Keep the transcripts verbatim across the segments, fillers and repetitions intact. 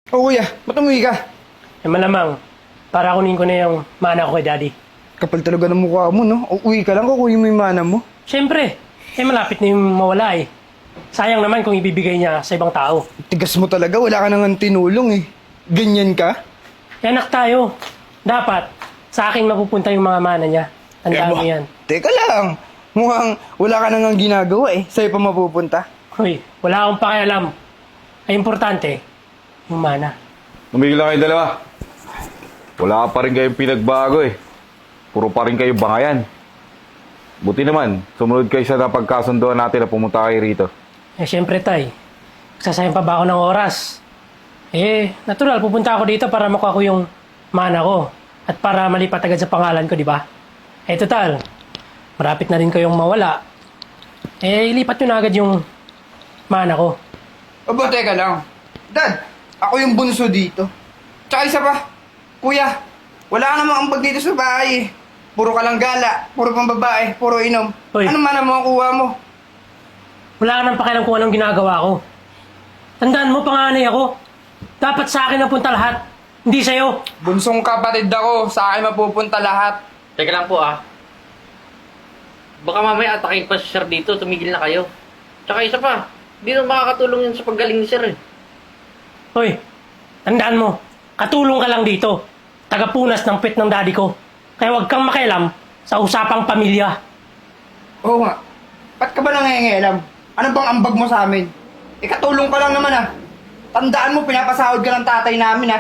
Oo kuya, ba't umuwi ka? Eh malamang, para kunin ko na yung mana ko kay daddy. Kapal talaga ng mukha mo, no? Uuwi ka lang, kukunin mo yung mana mo. Siyempre, eh malapit na yung mawala eh. Sayang naman kung ibibigay niya sa ibang tao. Tigas mo talaga, wala ka nang tinulong eh. Ganyan ka? Eh anak tayo, dapat sa akin mapupunta yung mga mana niya. Tandaan mo ba- yan. Teka lang, mukhang wala ka nang ginagawa eh. Sa'yo pa mapupunta. Hoy, wala akong pakialam. Ay importante, yung mana. Tumigil lang kayo dalawa. Wala pa rin kayong pinagbago eh. Puro pa rin kayo bangayan. Buti naman, sumunod kayo sa napagkasunduan natin na pumunta kayo rito. Eh siyempre tay, sasayang pa ba ako ng oras? Eh, natural, pupunta ako dito para makuha ko yung mana ko. At para malipat agad sa pangalan ko, di ba? Eh total, marapit na rin kayong mawala. Eh, ilipat nyo na agad yung mana ko. Aba, teka lang. Dad, ako yung bunso dito. Tsaka isa pa, kuya, wala ka namang ambag dito sa bahay eh. Puro ka lang gala, puro pang babae, puro inom. Hoy. Ano mana mo ang kuha mo? Wala ka nang pakialam kung anong ginagawa ko. Tandaan mo, panganay ako. Dapat sa akin napunta lahat, hindi sa'yo. Bunsong kapatid ako, sa akin mapupunta lahat. Teka lang po ah. Baka mamaya atakin pa si Sir dito, tumigil na kayo. Tsaka isa pa, di na makakatulong yun sa paggaling ni Sir eh. Hoy, tandaan mo, katulong ka lang dito. Tagapunas ng pet ng daddy ko. Kaya huwag kang makialam sa usapang pamilya. Oo nga. Ba't ka ba nangingialam? Ano bang ambag mo sa amin? Ikatulong ka lang naman ah. Tandaan mo, pinapasahod ka ng tatay namin ah.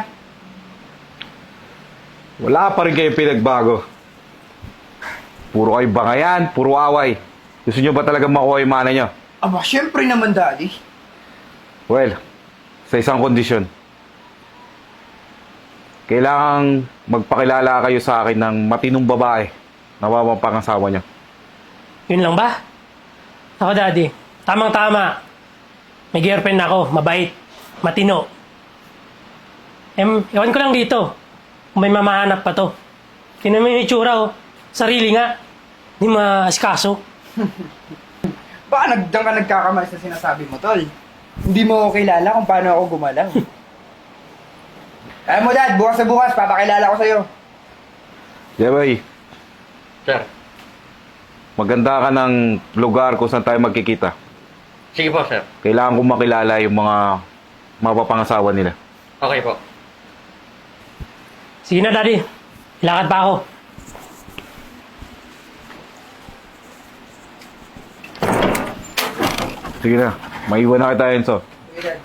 Wala pa rin kayong pinagbago. Puro kayo bangayan, puro away. Gusto nyo ba talaga makuha yung mana nyo? Aba, syempre naman daddy. Well, sa isang kondisyon. Kailangang magpakilala kayo sa akin ng matinong babae na mamapangasawa nyo. Yun lang ba? Ako daddy, tamang-tama. May girlfriend ako, mabait, matino. Em, ewan ko lang dito. Kung may mamahanap pa to. Tinan mo yung itsura oh. Sarili nga. Hindi maaskaso. Baka nagdang ka nagkakamali sa sinasabi mo, tol. Hindi mo ako kilala kung paano ako gumalaw. Alam mo, dad, bukas na bukas, papakilala ko sa'yo. Jeboy, Sir, maganda ka ng lugar kung saan tayo magkikita. sige po Sir. Kailangan kong makilala yung mga mapapangasawa nila. Okay po. Sige na daddy. Ilakad pa ako. Sige na, maiwan na kita, Enzo. Okay, dad.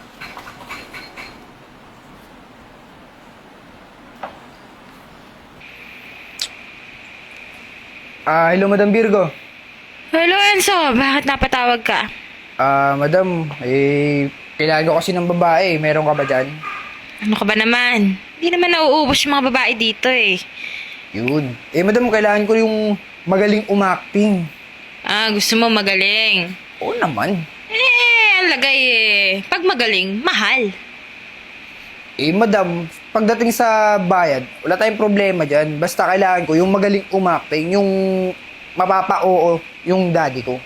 Ah, hello, Madam Virgo. Hello, Enzo. Bakit napatawag ka? Ah, madam, eh, kailangan ko kasi ng babae. Meron ka ba dyan? Ano ka ba naman? Hindi naman nauubos yung mga babae dito eh. Yun. Eh, madam, kailangan ko yung magaling umacting. Ah, gusto mo magaling. Oo naman. Eh, ang lagay eh. Pag magaling, mahal. Eh, madam, pagdating sa bayad, wala tayong problema dyan. Basta kailangan ko yung magaling umacting, yung mapapa-oo yung daddy ko.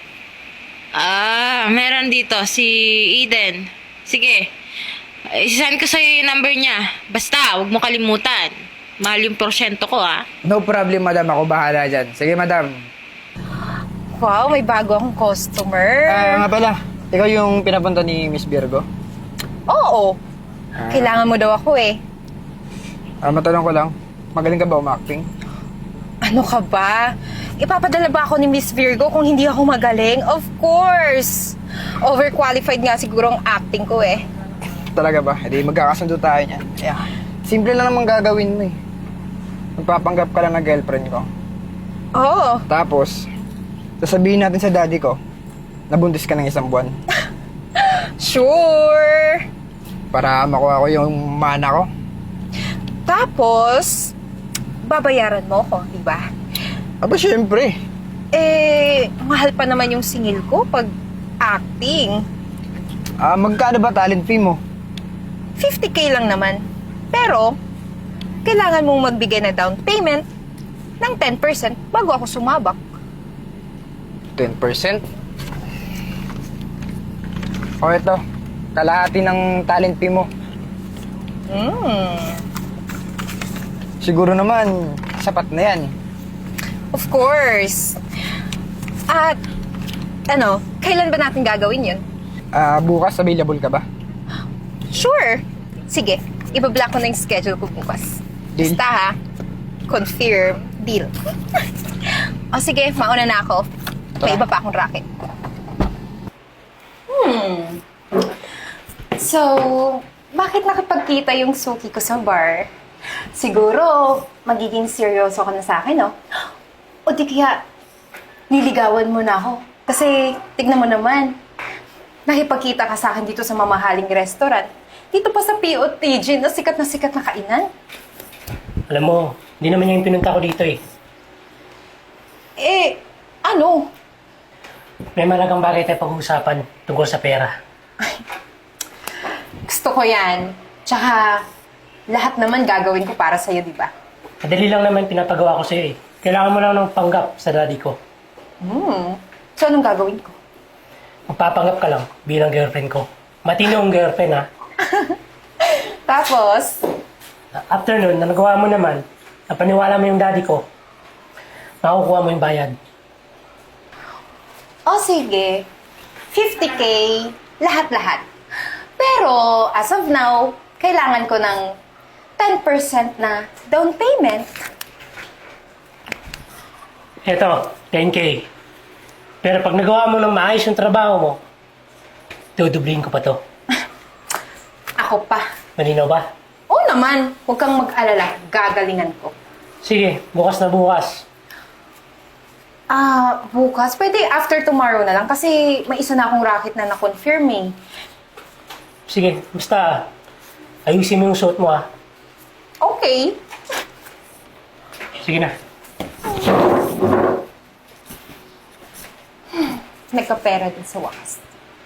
Ah, meron dito si Eden. Sige. Isasend ko sa'yo yung number niya. Basta, huwag mo kalimutan. Mahal yung porsyento ko, ah. No problem, madam. Ako bahala dyan. Sige, madam. Wow, may bago akong customer. Ah, nga pala. Ikaw yung pinapunta ni Miss Virgo? Oo. Kailangan mo daw ako eh. Ah, matanong ko lang. Magaling ka ba umacting? Ano ka ba? Ipapadala ba ako ni Miss Virgo kung hindi ako magaling? Of course! Overqualified nga siguro ang acting ko eh. Talaga ba? Hindi magkakasundo tayo niyan. Yeah. Simple lang naman gagawin mo eh. Magpapanggap ka lang na girlfriend ko. Oo. Tapos, sasabihin natin sa daddy ko, nabuntis ka ng isang buwan. Sure! Para makuha ko yung mana ko. Tapos, babayaran mo ko, di ba? Aba, syempre. Eh, mahal pa naman yung singil ko pag acting. Ah, magkano ba talent fee mo? fifty K lang naman. Pero, kailangan mong magbigay na down payment ng ten percent bago ako sumabak. ten percent? O ito, kalahati ng talent fee mo. Hmm. Siguro naman, sapat na yan. Of course. At, ano, kailan ba natin gagawin yun? Ah, bukas available ka ba? Sure. Sige, ibablock ko na yung schedule ko bukas. Deal. Basta ha, confirm, deal. O sige, mauna na ako. May iba pa akong racket. Hmm. So, bakit nakipagkita yung suki ko sa bar? Siguro, magiging seryoso ka na sa akin, no? O di kaya, niligawan mo na ako. Kasi, tignan mo naman, nakipagkita ka sa akin dito sa mamahaling restaurant. Dito pa sa P O T G na sikat na sikat na kainan. Alam mo, hindi naman niya yung pinunta ko dito eh. Eh, ano? May malagang bagay tayo pag-uusapan tungkol sa pera. Gusto ko yan. Tsaka, lahat naman gagawin ko para sa'yo, di ba? Madali lang naman pinapagawa ko sa'yo eh. Kailangan mo lang ng panggap sa daddy ko. Hmm. So, anong gagawin ko? Magpapanggap ka lang bilang girlfriend ko. Matinong girlfriend ha. Tapos, After nun, na nagawa mo naman, napaniwala mo yung daddy ko, makukuha mo yung bayad. o sige, fifty K, lahat-lahat. Pero, as of now, kailangan ko ng ten percent na down payment. Eto, ten K. Pero pag nagawa mo ng maayos yung trabaho mo, dudublihin ko pa to. Ako pa. Malinaw ba? Oo naman, huwag kang mag-alala, gagalingan ko. Sige, bukas na bukas. Ah, bukas? Pwede after tomorrow na lang kasi may isa na akong racket na na-confirm eh. Sige, basta ayusin mo yung suot mo ha. Okay. Sige na. Nagkapera din sa wakas.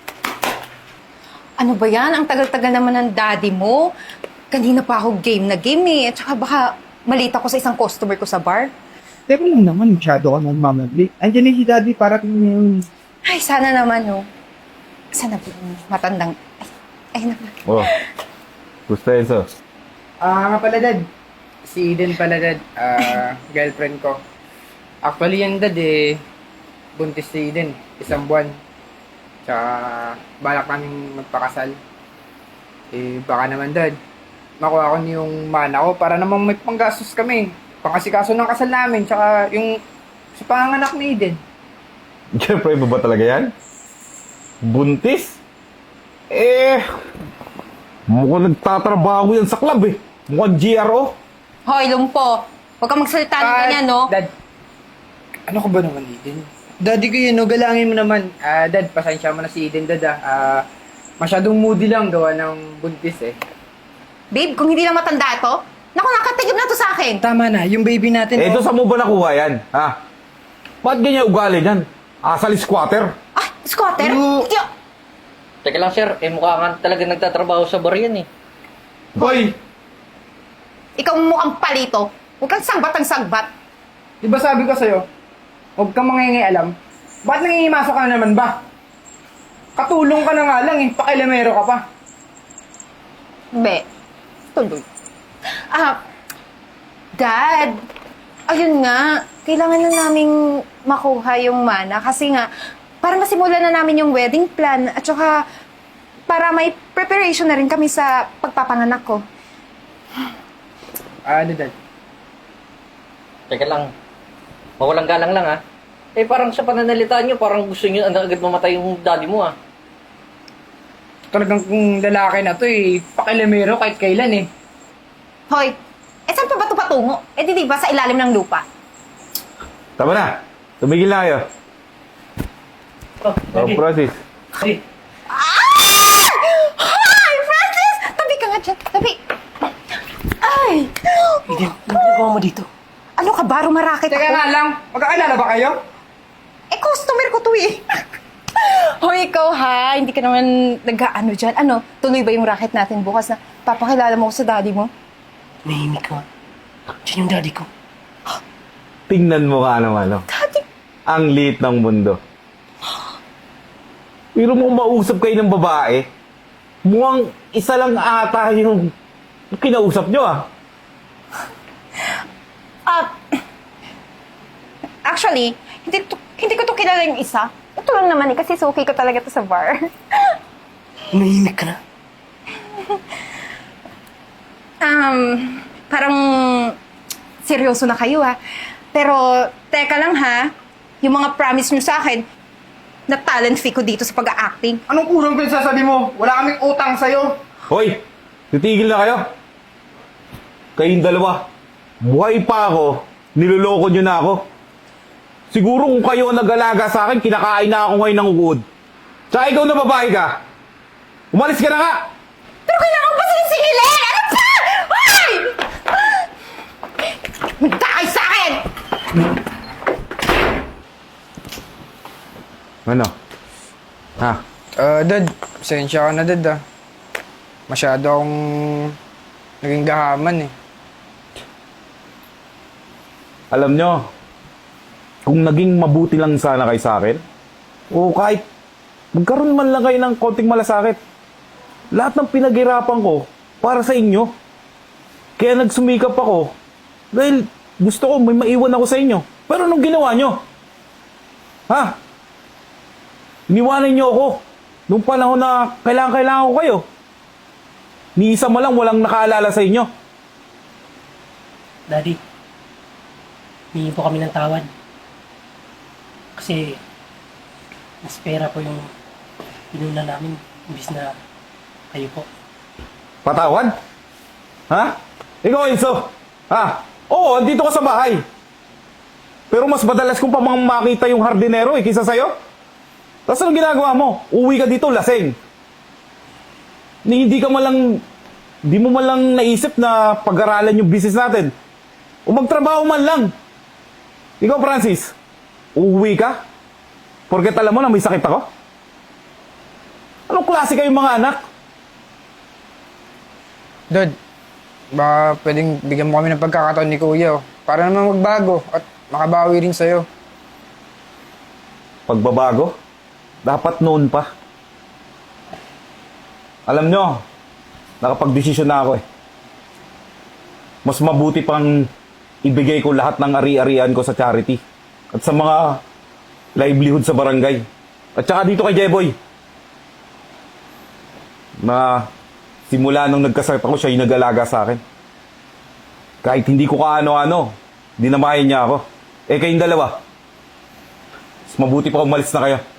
Ano ba yan? Ang tagal-tagal naman ng daddy mo. Kanina pa ako game na game eh. At saka baka malita ko sa isang customer ko sa bar. Teka lang naman, masyado ka nagmamabli. Andiyan na si Daddy para tingnan yung... Ay, sana naman oh. Sana ba yung matandang... Ay, ay naman. Oh. Gusto Enzo? Ah, nga pala, Dad. Si Eden pala, Dad. Ah, girlfriend ko. Actually, yan, Dad, eh. Buntis si Eden. Isang buwan. Tsaka, balak namin magpakasal. Eh, baka naman, Dad. Makuha ko yung mana ko para namang may panggastos kami. Pangkasikaso ng kasal namin. Tsaka, yung sa panganganak ni Eden. Siyempre, iba ba talaga yan? Buntis? Eh, mukhang nagtatrabaho yan sa club eh. Mukhang G R O. Hoy, lumpo. Huwag kang magsalita ng Ah, ganyan, no? Dad, ano ko ba naman, Eden? Daddy ko yun, no? Galangin mo naman. Ah, Dad, pasensya mo na si Eden, Dad, ah. Ah, masyadong moody lang gawa ng buntis, eh. Babe, kung hindi lang matanda to, naku, nakatigib na to sa akin. Tama na, yung baby natin, Eh, ito oh. sa mo ba nakuha yan? Ha? Ba't ganyan ugali yan? Asal squatter? Ah, squatter? Ano? Yo! Teka lang sir, eh mukha nga talaga nagtatrabaho sa bar yan eh. Hoy! Ikaw mukhang palito. Huwag kang sagbat ang sagbat. Di ba sabi ko sa'yo, huwag kang mangingialam. Ba't nangingimasok ka na naman ba? Katulong ka na nga lang, eh. Pakilamero ka pa. Be, tuloy. Ah, Dad, ayun nga, kailangan na naming makuha yung mana kasi nga, para masimulan na namin yung wedding plan at saka para may preparation na rin kami sa pagpapanganak ko. Ah, ano, Dad? Teka lang, mawalang galang lang ah. Eh parang sa pananalita nyo, parang gusto nyo na agad mamatay yung daddy mo ah. Talagang kung lalaki na to, eh, pakilamero kahit kailan, eh. Hoy, eh saan pa ba ito patungo? Eh di di ba sa ilalim ng lupa? Tama na. Tumigil na kayo. Oh, Oh, daddy. Francis. Daddy. Hi, Francis! Tabi ka nga dyan, tabi. Ay! Eden, ano ginagawa mo dito? Ano ka ba? Rumarakit Teka ako? nga lang, magkakilala ba kayo? Eh, customer ko to eh. Hoy, ikaw ha, hindi ka naman nag-ano dyan. Ano, tuloy ba yung racket natin bukas na papakilala mo ko sa daddy mo? Nahimik ka. Diyan yung daddy ko. Tingnan mo ka naman, no? Daddy? Ang liit ng mundo. Pero mo mausap kayo ng babae, mukhang isa lang ata yung Yung kinausap nyo ah. Ah, actually, hindi, to, hindi ko to kilala yung isa. Ito lang naman eh, kasi suki ko talaga to sa bar. Umihimik ka na. Um, parang seryoso na kayo ha. Pero, teka lang ha, yung mga promise nyo sa akin, na talent fee ko dito sa pag-acting. Anong kurang pinagsasabi mo? Wala kaming utang sa'yo. Hoy! Titigil na kayo. Kayong dalawa. Buhay pa ako. Niloloko nyo na ako. Siguro kung kayo ang nag-alaga sa akin, kinakain na ako ngayon ng uod. Tsaka ikaw na babae ka. Umalis ka na nga! Pero kailangan ko pa sinisingilin! Ano pa? Hoy! Magdakay sa akin! Ano? Ha? Ah, Dad, pasensya ka na, Dad ah. Masyado akong naging gahaman eh. Alam nyo, kung naging mabuti lang sana kayo sa akin, o kahit magkaroon man lang kayo ng konting malasakit, lahat ng pinaghirapan ko para sa inyo. Kaya nagsumikap ako dahil gusto ko may maiwan ako sa inyo. Pero anong ginawa nyo? Ha? Iniwanan nyo ako nung panahon na kailangan-kailangan ko kayo. Ni isa mo lang walang nakaalala sa inyo. Daddy, hihingi po kami ng tawad. Kasi, mas pera po yung pinuna namin, imbis na kayo po. Patawad? Ha? Ikaw, Enzo? Ha? Oo, andito ka sa bahay. Pero mas madalas kong pa mga makita yung hardinero eh, kaysa sa'yo. Tapos anong ginagawa mo? Uwi ka dito, lasing. Ni hindi ka malang, di mo malang naisip na pag-aralan yung business natin. O magtrabaho man lang. Ikaw, Francis, uuwi ka? Porket alam mo na may sakit ako? Anong klase kayong mga anak? Dad, baka pwedeng bigyan mo kami ng pagkakataon ni Kuya oh, para naman magbago at makabawi rin sa'yo. Pagbabago? Dapat noon pa. Alam nyo, nakapag-desisyon na ako eh. Mas mabuti pang ibigay ko lahat ng ari-arian ko sa charity at sa mga livelihood sa barangay. At saka dito kay Jeboy. Na simula nung nagkasakit ako, siya yung nag-alaga sa akin. Kahit hindi ko kaano-ano, dinamayan niya ako. Eh kayong dalawa, mas mabuti pa umalis na kayo.